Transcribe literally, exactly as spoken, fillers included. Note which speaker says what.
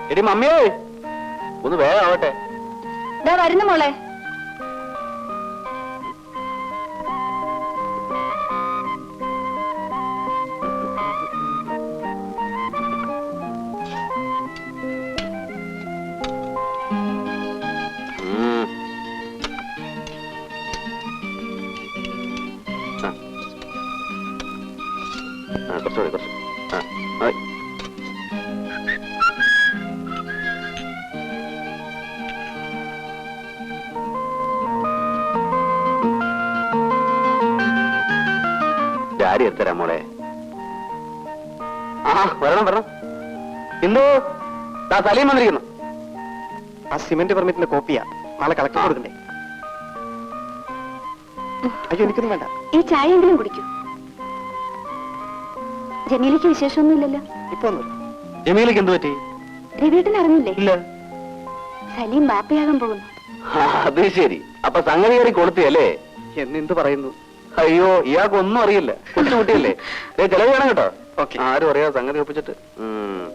Speaker 1: എടി മമ്മിയേ, ഒന്ന് വേഗം ആവട്ടെ.
Speaker 2: വരുന്നു മോളെ.
Speaker 1: കുറച്ചുകൂടി കുറച്ച്. ആ മതി. ഡാഡി എടുത്തരാം മോളെ. ആ വരണം വരണം. ഇന്നു ദാ സലീം വന്നിരിക്കുന്നു.
Speaker 3: ആ സിമന്റ് പെർമിറ്റിന്റെ കോപ്പിയാ നാളെ കളക്ടർ കൊടുക്കണ്ടേ? അയ്യോ എനിക്കൊന്നും വേണ്ട.
Speaker 2: ഈ ചായ എങ്കിലും കുടിക്കൂ. ജമീലയ്ക്ക് വിശേഷമൊന്നുമില്ലല്ലോ?
Speaker 3: ഇപ്പൊ ഒന്നും.
Speaker 1: ജമീലയ്ക്ക് എന്ത് പറ്റി?
Speaker 2: രവിയേട്ടൻ അറിഞ്ഞില്ലേ?
Speaker 1: ഇല്ല.
Speaker 2: സലീം ബാപ്പയാകാൻ പോകുന്നു.
Speaker 1: അത് ശരി. അപ്പൊ സംഗതി കയറി കൊടുത്തിയല്ലേ?
Speaker 3: എന്നെന്ത് പറയുന്നു?
Speaker 1: അയ്യോ ഇയാൾക്ക് ഒന്നും അറിയില്ല. കൊച്ചു കുട്ടിയല്ലേ? ചെലവ് വേണം കേട്ടോ.
Speaker 3: ഓക്കെ.
Speaker 1: ആരും അറിയാതെ സംഗതി ഒപ്പിച്ചിട്ട്.